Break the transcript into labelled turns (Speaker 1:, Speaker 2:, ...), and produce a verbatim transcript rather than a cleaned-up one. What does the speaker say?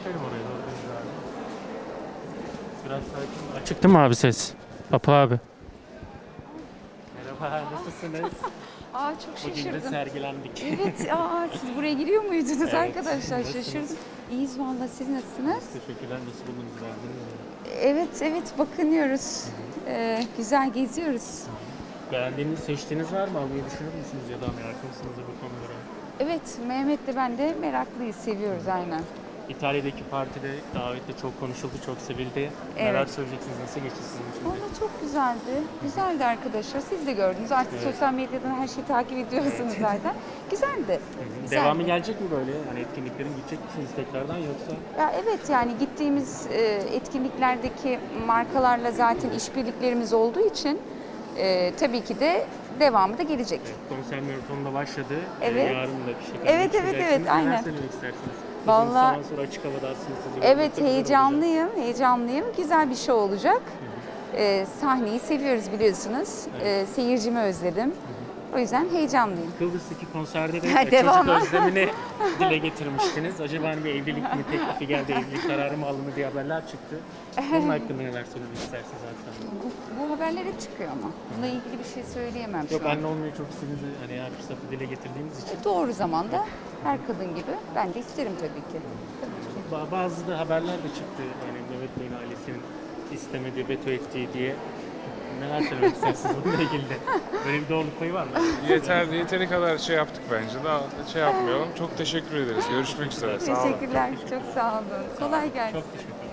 Speaker 1: geçelim oraya doğru biz abi. Biraz sakin. Açık değil mi abi ses? Apo abi. Merhaba, nasılsınız?
Speaker 2: Aa çok
Speaker 1: Bugün de
Speaker 2: şaşırdım.
Speaker 1: sergilendik.
Speaker 2: Evet, aa siz buraya giriyor muydunuz
Speaker 1: Evet,
Speaker 2: arkadaşlar?
Speaker 1: nasılsınız?
Speaker 2: Şaşırdım. İyiyiz valla, siz nasılsınız?
Speaker 1: Teşekkürler, nasıl buldunuz, beğendiniz mi?
Speaker 2: Evet, evet bakınıyoruz. Ee, güzel geziyoruz.
Speaker 1: Beğendiğiniz, seçtiğiniz var mı? Almayı düşünür müsünüz ya da meraklı mısınız bu konulara?
Speaker 2: Evet, Mehmet'le ben de meraklıyız, seviyoruz aynen.
Speaker 1: İtalya'daki partide davette çok konuşuldu, çok sevildi. Neler
Speaker 2: Evet.
Speaker 1: söyleyeceksiniz, nasıl geçti sizin için?
Speaker 2: Valla çok güzeldi. Güzeldi arkadaşlar. Siz de gördünüz. Artık
Speaker 1: Evet.
Speaker 2: sosyal medyadan her şeyi takip ediyorsunuz zaten. Güzeldi. Güzeldi.
Speaker 1: Devamı gelecek mi böyle? Hani etkinliklerin gidecek misiniz tekrardan yoksa?
Speaker 2: Ya evet, yani gittiğimiz e, etkinliklerdeki markalarla zaten işbirliklerimiz olduğu için e, tabii ki de devamı da gelecek.
Speaker 1: Evet, konser maratonunda başladı. Ee,
Speaker 2: Evet.
Speaker 1: Yarın da bir şey
Speaker 2: Evet, evet, evet,
Speaker 1: Neler
Speaker 2: aynen.
Speaker 1: söylemek istersiniz? Uzun
Speaker 2: Vallahi-
Speaker 1: zaman sonra açık havada aslında sizi görmek de
Speaker 2: Evet,
Speaker 1: güzel olacak.
Speaker 2: heyecanlıyım, heyecanlıyım. Güzel bir şey olacak. Ee, sahneyi seviyoruz biliyorsunuz. Ee, seyircimi özledim. O yüzden heyecanlıyım.
Speaker 1: Kıbrıs'taki konserde de
Speaker 2: Ha,
Speaker 1: e,
Speaker 2: devamı.
Speaker 1: çocuk özlemini dile getirmiştiniz. Acaba hani bir evlilik mi teklifi geldi, evlilik kararı mı alındı diye haberler çıktı. Onun hakkında neler söylemek istersiniz zaten?
Speaker 2: Bu, bu haberler hep çıkıyor ama. Bununla ilgili bir şey söyleyemem
Speaker 1: Yok,
Speaker 2: şu an.
Speaker 1: anne olmayı çok istediğinizi hani her fırsatı dile getirdiğiniz için.
Speaker 2: Doğru zamanda her kadın gibi ben de isterim tabii ki. Tabii ki.
Speaker 1: Ba- Bazı da haberler de çıktı. Yani Mehmet Bey'in ailesinin istemediği, veto ettiği diye. Neler söylemek istersiniz bununla ilgili de? Böyle bir doğruluk payı var mı?
Speaker 3: Yeter, yeteri kadar şey yaptık bence. Daha şey yapmayalım. Çok teşekkür ederiz. Görüşmek üzere. Sağ olun.
Speaker 2: Teşekkürler. Çok sağ olun. Kolay gelsin.
Speaker 1: Çok teşekkür ederim.